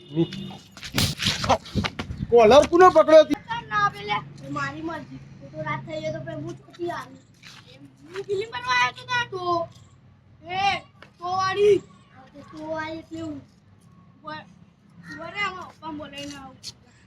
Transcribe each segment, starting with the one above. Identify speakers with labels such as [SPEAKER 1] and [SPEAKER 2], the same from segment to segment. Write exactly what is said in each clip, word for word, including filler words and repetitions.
[SPEAKER 1] Caller કોને પકડ્યો હતી?
[SPEAKER 2] ના પેલે મારી મરજી તો રાત થઈ ગઈ તો પછી હું ચોથી આવી હું ફિલ્મ બનવા આવ્યો તો ના તો એ તો વાળી તો વાળી એટલે હું બોલે આમાં પપ્પા બોલાઈને આવું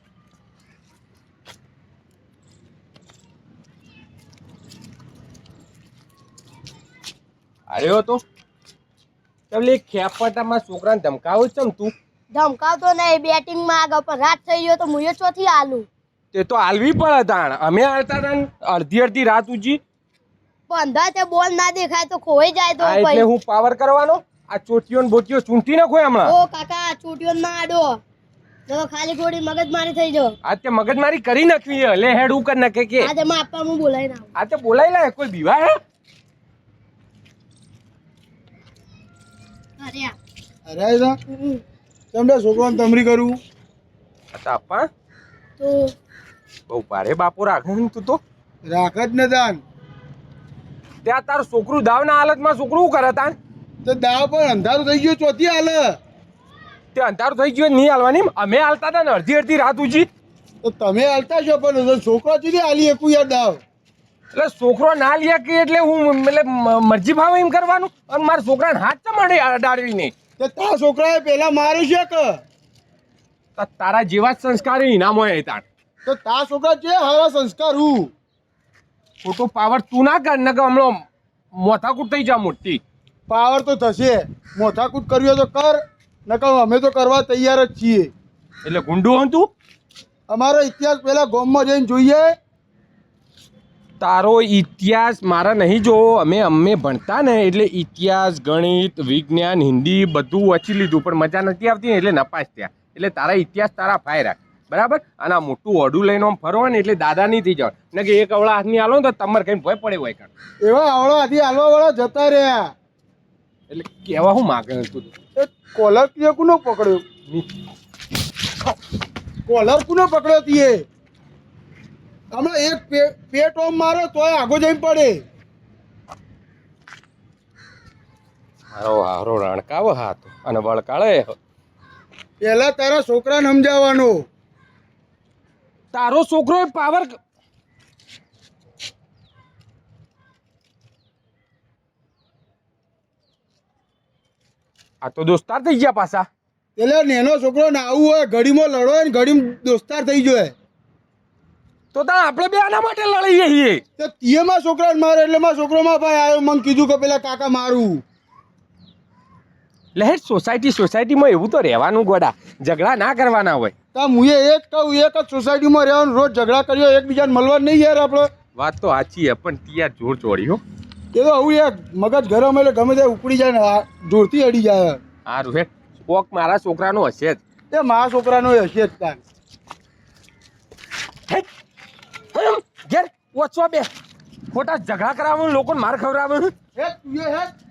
[SPEAKER 3] અરે તો તમને ખેપટામાં છોકરાને ધમકાવો ચમ તું
[SPEAKER 2] ધમકાવતો નહીં બેટિંગ માં આગળ પણ રાત થઈ ગયો તો હું એ ચોથી આલું
[SPEAKER 3] તે તો હાલવી પડે તાણ અમે હાલતા હતા ને અડધી અડધી રાત ઉજી
[SPEAKER 2] બંધા તે બોલ ના દેખાય તો ખોઈ જાય તો
[SPEAKER 3] આ એટલે હું પાવર કરવાનો આ ચોટીઓ ને બોટીઓ ચૂંટી નાખો હમણાં
[SPEAKER 2] ઓ કાકા ચોટીઓ ના આડો તો ખાલી થોડી મગજમારી થઈ જો
[SPEAKER 3] આ તે મગજમારી કરી નાખવી હે લે હેડ ઉપર નાખે કે
[SPEAKER 2] આજે માં આપવા હું બોલાઈને આવું
[SPEAKER 3] આ તે બોલાઈ લે કોઈ બીવા હે
[SPEAKER 2] અરે આ
[SPEAKER 1] અરે આયદા તમને છોકરાને તમરી કરું
[SPEAKER 3] આ તો આપા
[SPEAKER 2] તો
[SPEAKER 3] બહુ ભારે બાપો રાખે ને તું તો
[SPEAKER 1] રાખ જ ને દાન
[SPEAKER 3] ત્યાં તારું છોકરું દાવના હાલતમાં છોકરું શું કરે તાણ
[SPEAKER 1] તો દાવ પણ અંધારું થઈ ગયું ચોથી હાલે
[SPEAKER 3] તે અંધારું થઈ ગયું નહીં હાલવાની અમે હાલતા હતા ને અડધી અડધી રાત ઉજી
[SPEAKER 1] તો તમે હાલતા છો પણ છોકરા સુધી હાલી એકું યાર દાવ
[SPEAKER 3] એટલે છોકરો ના લે કે એટલે હું એટલે મ- મરજી ભાવે એમ કરવાનું અને મારા છોકરાને હાથ તો મળે અડાડવી નહીં
[SPEAKER 1] તો તા છોકરાએ પેલા માર્યું છે કે
[SPEAKER 3] તો તારા જેવા જ સંસ્કાર ઇનામ હોય તાણ
[SPEAKER 1] તો તા છોકરા છે હારા સંસ્કાર હું
[SPEAKER 3] ખોટો પાવર તું ના કર ને કે હમણાં મોથાકૂટ થઈ જા મોટી
[SPEAKER 1] પાવર તો થશે મોથાકૂટ કર્યો તો કર નકર અમે તો કરવા તૈયાર જ છીએ
[SPEAKER 3] એટલે ગુંડું હું તું
[SPEAKER 1] અમારો ઇતિહાસ પેલા ગામમાં જઈને જોઈએ
[SPEAKER 3] તારો ઇતિહાસ મારા નહીં જોવો અમે અમે ભણતા ને એટલે ઇતિહાસ ગણિત વિજ્ઞાન હિન્દી બધું વાંચી લીધું પણ મજા નથી આવતી ને એટલે નપાસ થયા એટલે તારા ઇતિહાસ તારા ફાય રાખ બરાબર અને આ મોટું ઓઢું લઈને આમ ફરો ને એટલે દાદા નહીં થઈ જાવ ને કે એક અવળા હાથની હાલો ને તો તમારે કઈ ભય પડે હોય કાં
[SPEAKER 1] એવા આવડો આથી હાલવા વાળા જતા રહ્યા
[SPEAKER 3] એટલે કેવા હું માગે તું
[SPEAKER 1] એ કોલર તીએ કોનો પકડ્યો કોલર કોનો પકડ્યો તીએ હમણાં એક પે- પેટ ઓમ મારો તોય આગો જઈને પડે
[SPEAKER 3] મારો હારો રણકાવો હાથ અને વળકાળે
[SPEAKER 1] પેલા તારા છોકરાને સમજાવવાનો
[SPEAKER 3] તારો છોકરો પાવર આ તો દોસ્તાર થઈ ગયા પાછા
[SPEAKER 1] એટલે નેનો છોકરો ને આવું હોય ઘડીમાં લડો હોય ને ઘડીમાં દોસ્તાર થઈ જાય
[SPEAKER 3] તો તા આપણે બે આના માટે લડીએ છીએ
[SPEAKER 1] તો તીએ માં છોકરાને મારે એટલે માં છોકરો માં ભાઈ આવ્યો મને કીધું કે પેલા કાકા મારું
[SPEAKER 3] લહેર સોસાયટી સોસાયટીમાં એવું તો રહેવાનું ગોડા ઝઘડા ના કરવાના હોય
[SPEAKER 1] તા મુએ એક કહું એક જ સોસાયટીમાં રહેવાનું રોજ ઝઘડા કર્યો એકબીજાને મળવા નહીં યાર આપણે
[SPEAKER 3] વાત તો સાચી છે પણ ત્યાં જોર ચોડી હો
[SPEAKER 1] એ તો આવું યાર મગજ ગરમ એટલે ગમે તે ઉપડી જાય ને આ જોરથી અડી જાય
[SPEAKER 3] સારું હે કોક મારા છોકરાનો હશે જ
[SPEAKER 1] એ મારા છોકરાનો હશે જ તાન
[SPEAKER 3] હે? હમ, ઘેર ઓછો બે ખોટા ઝઘડા કરાવવાનું લોકોને માર ખવડાવવાનું
[SPEAKER 1] હે તું એ હે